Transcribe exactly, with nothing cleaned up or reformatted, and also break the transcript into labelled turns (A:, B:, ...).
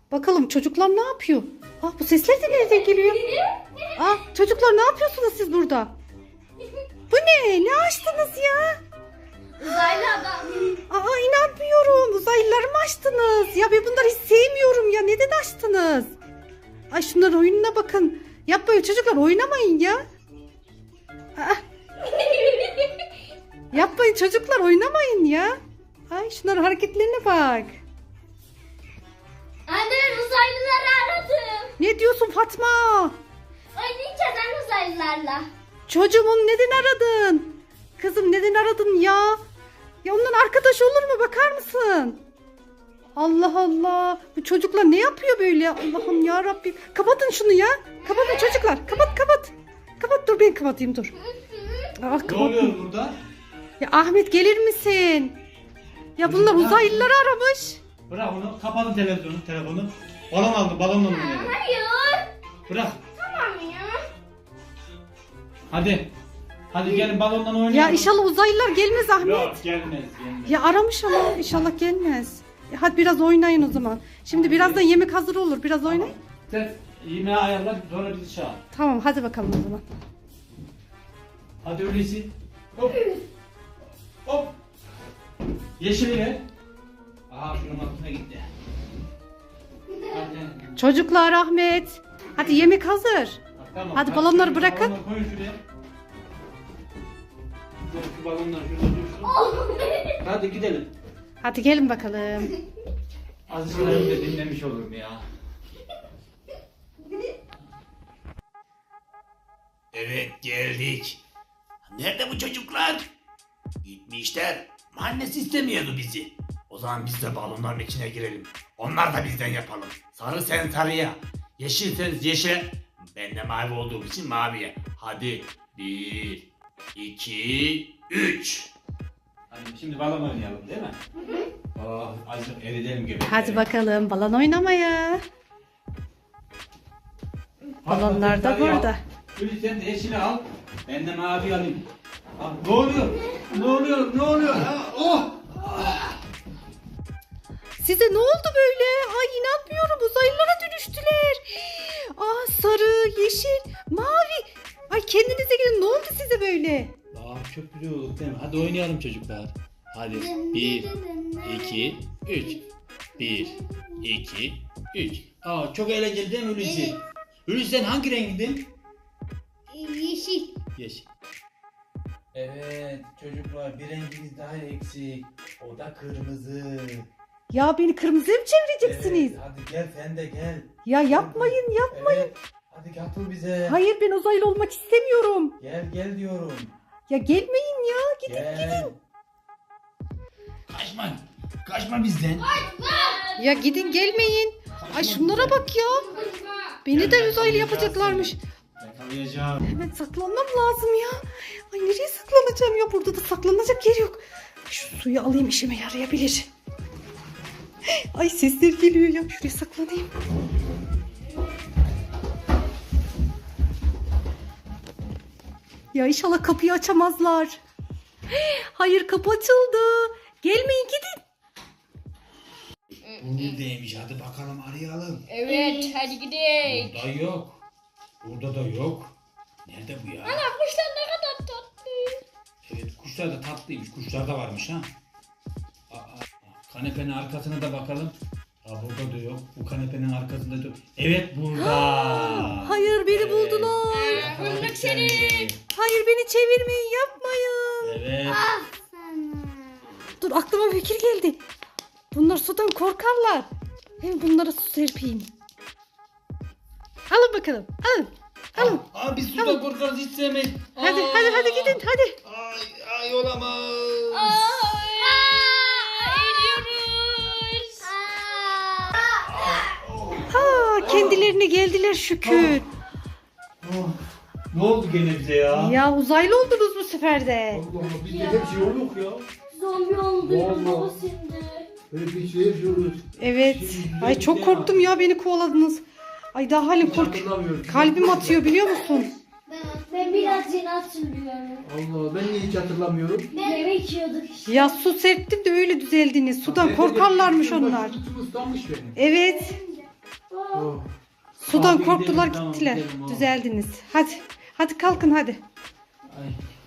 A: Bakalım çocuklar ne yapıyor? Ah, bu sesler de nereden geliyor? Ah, çocuklar ne yapıyorsunuz siz burada? Bu ne? Ne açtınız ya?
B: Uzaylı adam.
A: Aa, inanmıyorum. Uzaylıları mı açtınız? Ya ben bunları hiç sevmiyorum ya. Neden açtınız? Ay, şunların oyununa bakın. Yapmayın çocuklar, oynamayın ya. Aa. Yapmayın çocuklar, oynamayın ya. Ay, şunların hareketlerine bak.
B: Anne, ben uzaylıları aradım.
A: Ne diyorsun Fatma?
B: Oynayacağız anne uzaylılarla.
A: Çocuğumun neden aradın? Kızım neden aradın ya? Ya ondan arkadaş olur mu, bakar mısın? Allah Allah. Bu çocuklar ne yapıyor böyle? Allah'ım ya Rabbim. Kapatın şunu ya. Kapatın çocuklar. Kapat kapat. Kapat, dur ben kapatayım dur. Ah,
C: Ne
A: kapat.
C: oluyor burada?
A: Ya Ahmet, gelir misin? Ya bunlar
C: Kızım, ne
A: uzaylıları aramış.
C: Bırak onu. Kapatın televizyonu, telefonu. Balon aldı, balonla oynayalım.
B: Hayır.
C: Bırak.
B: Tamam ya.
C: Hadi. Hadi gelin balondan oynayalım.
A: Ya inşallah uzaylılar gelmez Ahmet.
C: Yok, gelmez, gelmez.
A: Ya aramış ama inşallah gelmez. Ya hadi biraz oynayın o zaman. Şimdi birazdan yemek hazır olur. Biraz oynayın.
C: Sen yemeği ayarla, sonra bizi çağır.
A: Tamam, hadi bakalım o zaman.
C: Hadi öyleyse. Hop. Hop. Yeşili ver. Aha, şunun altına gitti. Hadi.
A: Çocuklar, Ahmet. Hadi yemek hazır.
C: Tamam,
A: Hadi balonları
C: şöyle
A: bırakın.
C: Balonları koyun şuraya. Dur, şu balonlar şurada dursun. Hadi gidelim.
A: Hadi gelin bakalım.
C: Azıcık de dinlemiş olurum ya.
D: Evet, geldik. Nerede bu çocuklar? Gitmişler. Annesi istemiyordu bizi. O zaman biz de balonların içine girelim. Onlar da bizden yapalım. Sarı sen sarıya. Yeşil sen yeşile. Ben de mavi olduğum için maviye. Hadi. Bir, iki, üç.
C: Hadi şimdi balon oynayalım değil mi? Oh, azıcık eridelim göbekleri.
A: Hadi bakalım balon oynamaya. Balonlar da burada.
C: Gülü sen de yeşili al. Ben de mavi alayım. Aa, ne oluyor? Ne oluyor? Ne oluyor? Ha, oh!
A: Size ne oldu böyle? Ay, inanmıyorum, uzaylılara dönüştüler. Aa, sarı, yeşil, mavi. Ay, kendinize gelin, ne oldu size böyle?
D: Aa, çok güzel olduk değil mi? Hadi oynayalım çocuklar. Hadi. Bir, iki, üç. Bir, iki, üç. Aa, çok eğlenceli değil mi Hulusi?
B: Evet.
D: Hulusi sen hangi rengindin?
B: Yeşil.
D: Yeşil. Evet çocuklar, bir rengimiz daha eksik. O da kırmızı.
A: Ya beni kırmızıya mı çevireceksiniz?
D: Evet, hadi gel sen de gel.
A: Ya yapmayın, yapmayın.
D: Evet. Hadi katıl bize.
A: Hayır, ben uzaylı olmak istemiyorum.
D: Gel gel diyorum.
A: Ya gelmeyin ya, gidin
D: Gel.
A: gidin.
D: Kaçma. Kaçma bizden.
A: Ya gidin, gelmeyin. Ay, şunlara bak ya. Beni de uzaylı yapacaklarmış.
C: Yakalayacağım.
A: Hemen saklanmam lazım ya. Ay, nereye saklanacağım ya? Burada da saklanacak yer yok. Şu suyu alayım, işime yarayabilir. Ay, sesler geliyor ya. Şuraya saklanayım. Ya inşallah kapıyı açamazlar. Hayır, kapı açıldı. Gelmeyin, gidin.
D: Bu neredeymiş? Hadi bakalım arayalım.
B: Evet, hadi gidelim.
D: Burada yok. Burada da yok. Nerede bu ya?
B: Ana, kuşlar ne kadar tatlı.
D: Evet, kuşlar da tatlıymış. Kuşlar da varmış ha. Aa, kanepenin arkasına da bakalım. Aa, burada da yok. Bu kanepenin arkasında da yok. Evet, burada.
A: Hayır, beni
D: Evet.
A: buldular.
D: Yakaladık
B: bulduk seni.
A: Hayır, beni çevirmeyin, yapmayın.
D: Evet.
A: Dur, aklıma fikir geldi. Bunlar sudan korkarlar. Hem bunlara su serpeyim. Alın bakalım, alın. Alın.
D: Aa, aa, biz suda korkarız, hiç sevmeyiz.
A: Hadi,
D: Aa.
A: hadi, hadi gidin, hadi.
D: Ay, ay olamaz.
B: Eriyoruz.
A: Ha, kendilerine geldiler şükür.
C: Oh, ne oldu gene bize ya?
A: Ya uzaylı oldunuz bu sefer de.
E: Allah Allah, bizde hep şey yok ya.
B: Zombi oldu.
E: Vallahi.
B: Baba şimdi.
E: Böyle bir şey yapıyoruz.
A: Evet. Ay, çok korktum ya, beni kovaladınız. Ay, daha halim kork.
E: Hatırlamıyorum.
A: Kalbim atıyor, biliyor musun?
B: Ben biraz yeni hatırlıyorum.
E: Allah Allah, ben niye hiç hatırlamıyorum?
B: Yemek yiyorduk işte.
A: Ya su serptim de öyle düzeldiniz. Sudan korkarlarmış onlar.
E: Sütüm ıslanmış benim.
A: Evet. Sudan
C: Abi
A: korktular
C: gidelim, tamam,
A: gittiler.
C: gidelim, oğlum.
A: Düzeldiniz. Hadi. Hadi kalkın hadi.
C: Ay.